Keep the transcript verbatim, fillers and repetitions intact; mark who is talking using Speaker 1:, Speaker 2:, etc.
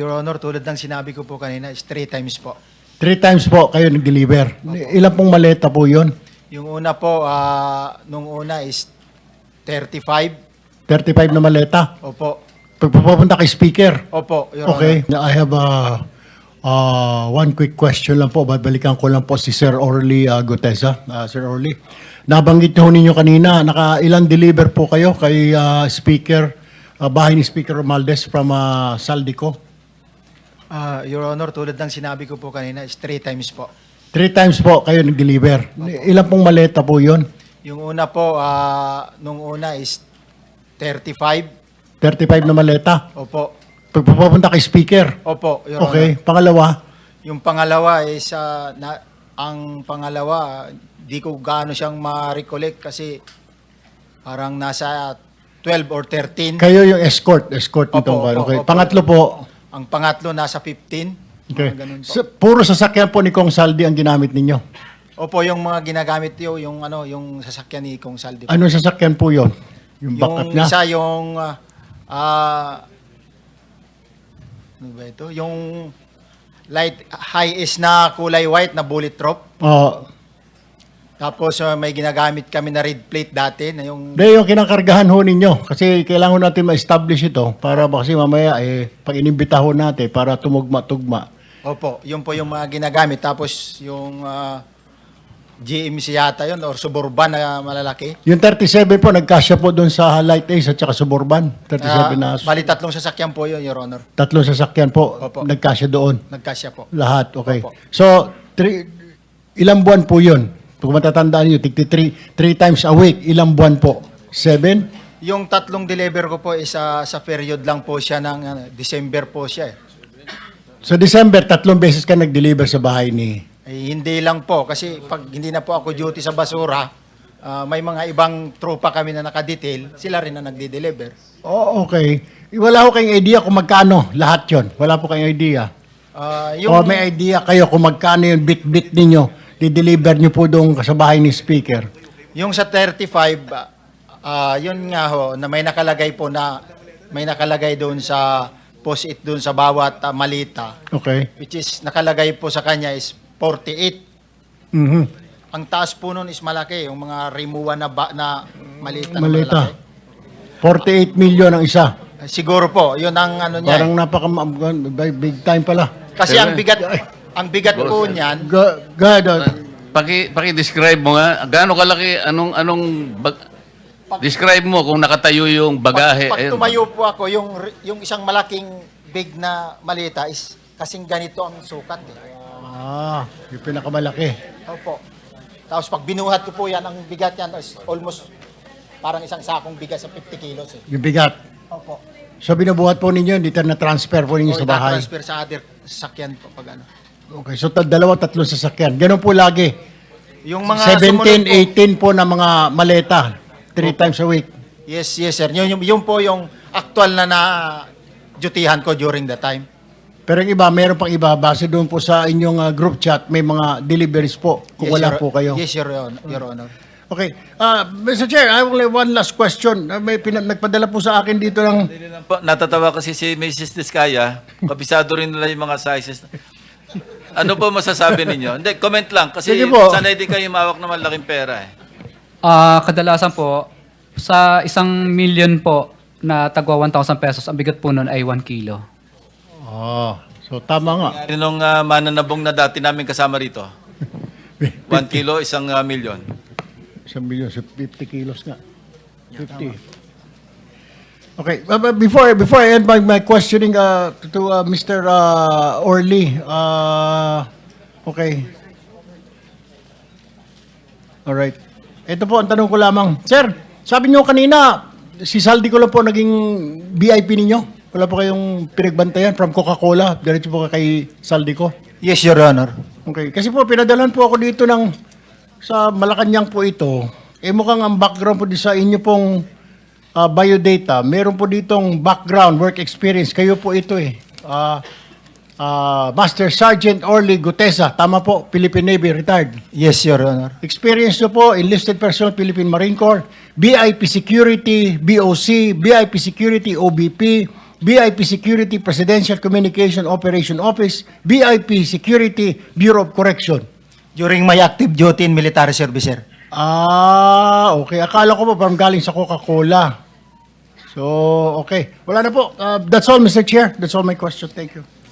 Speaker 1: Your Honor, tulad ng sinabi ko po kanina, is three times po.
Speaker 2: Three times po kayo nag-deliver. Ilan pong maleta po yun?
Speaker 1: Yung una po, ah, nung una is thirty-five.
Speaker 2: thirty-five na maleta.
Speaker 1: Opo.
Speaker 2: Pagpapunta kay speaker.
Speaker 1: Opo, Your
Speaker 2: Okay.
Speaker 1: Honor.
Speaker 2: I have a, uh, one quick question lang po. Babalikan ko lang po si Sir Orly uh, Gutesa. Uh, Sir Orly, nabanggit niyo ninyo kanina, naka ilang deliver po kayo kay uh, speaker, uh, bahay ni Speaker Romualdez from uh, Saldico?
Speaker 1: Ah, Your Honor, tulad ng sinabi ko po kanina, is three times po.
Speaker 2: Three times po kayo nag-deliver. Ilan pong maleta po yun?
Speaker 1: Yung una po, ah, nung una is thirty-five.
Speaker 2: thirty-five na maleta.
Speaker 1: Opo.
Speaker 2: Pagpapunta kay speaker.
Speaker 1: Opo, Your
Speaker 2: Okay.
Speaker 1: Honor.
Speaker 2: Pangalawa,
Speaker 1: Yung pangalawa is, ah, na, ang pangalawa, di ko gaano siyang ma-recollect kasi parang nasa twelve or thirteen.
Speaker 2: kayo yung escort. Escort nitong
Speaker 1: Opo,
Speaker 2: ano.
Speaker 1: opo,
Speaker 2: Okay.
Speaker 1: opo.
Speaker 2: Pangatlo po,
Speaker 1: Ang pangatlo nasa fifteen.
Speaker 2: okay.
Speaker 1: Mga ganun po.
Speaker 2: Sa, puro sasakyan po ni Kong Saldi ang ginamit ninyo.
Speaker 1: Opo, yung mga ginagamit yo, yung ano, yung sasakyan ni Kong Saldi. po.
Speaker 2: Anong sasakyan po yon? Yung backup
Speaker 1: Yung
Speaker 2: niya?
Speaker 1: isa yung ah ah, ano ba ito? Yung light high is na kulay white na bullet drop.
Speaker 2: Oo.
Speaker 1: Tapos ah, may ginagamit kami na red plate dati na yung
Speaker 2: Hindi, yung kinakargahan ho ninyo. Kasi kailangan natin ma-establish ito para ba kasi mamaya, eh, pag inimbita ho natin para tumugma-tugma.
Speaker 1: Opo, yun po yung mga ginagamit. Tapos yung ah, G M C yata yun or Suburban na malalaki.
Speaker 2: Yung thirty-seven po, nagkasya po doon sa Light Ace at saka Suburban. thirty-seven
Speaker 1: Ah,
Speaker 2: na
Speaker 1: bali tatlong sasakyan po yun, Your Honor.
Speaker 2: tatlong sasakyan po,
Speaker 1: Opo.
Speaker 2: nagkasya doon.
Speaker 1: Nagkasya po.
Speaker 2: Lahat, okay.
Speaker 1: Opo.
Speaker 2: So, three, ilang buwan po yun? Kung matatandaan nyo, tigti three, three times a week, ilang buwan po? Seven?
Speaker 1: Yung tatlong deliver ko po is ah, sa period lang po siya ng ano, December po siya eh.
Speaker 2: Sa December, tatlong beses ka nag-deliver sa bahay ni...
Speaker 1: Eh, hindi lang po kasi pag hindi na po ako duty sa basura, ah, may mga ibang tropa kami na nakadetail, sila rin na nagde-deliver.
Speaker 2: Oh, okay. Wala ko kayong idea kung magkano lahat yon. Wala po kayong idea.
Speaker 1: Ah,
Speaker 2: Yung,
Speaker 1: yung
Speaker 2: o may idea kayo kung magkano yung bit-bit ninyo, di-deliver nyo po doon sa bahay ni speaker.
Speaker 1: yung sa thirty-five, ah, yun nga ho, na may nakalagay po na may nakalagay doon sa post-it doon sa bawat ah, malita,
Speaker 2: Okay.
Speaker 1: which is nakalagay po sa kanya is forty-eight.
Speaker 2: Mhm.
Speaker 1: Ang taas po nun is malaki, yung mga rimuwa na, ba, na malita na
Speaker 2: Malita.
Speaker 1: malaki.
Speaker 2: forty-eight million ang isa.
Speaker 1: Siguro po, yun ang ano niya.
Speaker 2: Parang
Speaker 1: eh.
Speaker 2: napaka big time pala.
Speaker 1: Kasi ang bigat, ang bigat po niyan,
Speaker 2: Go, go ahead. uh,
Speaker 3: Paki paki-describe mo nga gaano kalaki anong anong bag, describe mo kung nakatayo yung bagahe.
Speaker 1: pag, pag
Speaker 3: eh,
Speaker 1: tumayo po ako, yung, yung isang malaking big na malita is kasing ganito ang sukat. Eh.
Speaker 2: Ah, yung pinakamalaki.
Speaker 1: Opo. Tapos pag binuhat ko po yan, ang bigat yan is almost parang isang sakong bigat sa fifty kilos. Eh.
Speaker 2: Yung bigat.
Speaker 1: Opo.
Speaker 2: So binubuhat po ninyo, dito na transfer po ninyo
Speaker 1: O
Speaker 2: sa bahay.
Speaker 1: transfer sa other sakyan po pag ano.
Speaker 2: Okay, so ta- dalawa, tatlong sasakyan. Ganun po lagi.
Speaker 1: Yung mga
Speaker 2: seventeen,
Speaker 1: sumunod po-
Speaker 2: eighteen po na mga maleta. Three times a week.
Speaker 1: Yes, yes sir. Yun, yun, yun po yung actual na na dutihan ko during the time.
Speaker 2: Pero yung iba, meron pang iba. Base doon po sa inyong uh, group chat, may mga deliveries po kung
Speaker 1: Yes,
Speaker 2: wala
Speaker 1: Your-
Speaker 2: po kayo.
Speaker 1: Yes, Your Honor. Your Honor.
Speaker 2: Okay. Uh, Mister Chair, I will have one last question. Uh, may pina- nagpadala po sa akin dito ng...
Speaker 4: Hindi lang po, natatawa kasi si Missus Diskaya, kabisado rin nila yung mga sizes. Ano po masasabi ninyo? Hindi, comment lang. Kasi
Speaker 2: Sige po.
Speaker 4: sanay din kayo mawak ng malaking pera eh.
Speaker 5: Ah, kadalasan po, sa isang million po na tagwa one thousand pesos, ang bigat po nun ay one kilo.
Speaker 2: Oh, so tama nga.
Speaker 4: Yung uh, mananabong na dati namin kasama rito. One kilo, isang uh, milyon.
Speaker 2: Isang milyon, so fifty kilos nga. fifty. Okay, uh, but before before I end my, my questioning uh, to, to uh, Mister Uh, Orly, uh, okay. All right. Ito po ang tanong ko lamang. Sir, sabi niyo kanina, si Saldi ko lang po naging V I P ninyo. Wala po kayong pinagbantayan from Coca-Cola. Diretso po kay Saldi ko.
Speaker 1: Yes, Your Honor.
Speaker 2: Okay, kasi po pinadalan po ako dito ng sa Malacanang po ito. Eh mukhang ang background po di sa inyo pong uh, biodata. Meron po ditong background, work experience. Kayo po ito eh. Uh, uh, Master Sergeant Orly Gutesa. Tama po, Philippine Navy, retired.
Speaker 1: Yes, Your Honor.
Speaker 2: Experience nyo po, enlisted personnel, Philippine Marine Corps, B I P Security, B O C, B I P Security, O B P, B I P Security Presidential Communication Operation Office, B I P Security Bureau of Correction.
Speaker 1: During my active duty in military service, sir.
Speaker 2: Ah, okay. Akala ko pa parang galing sa Coca-Cola. So, okay. Wala na po. Uh, that's all, Mister Chair. That's all my question. Thank you.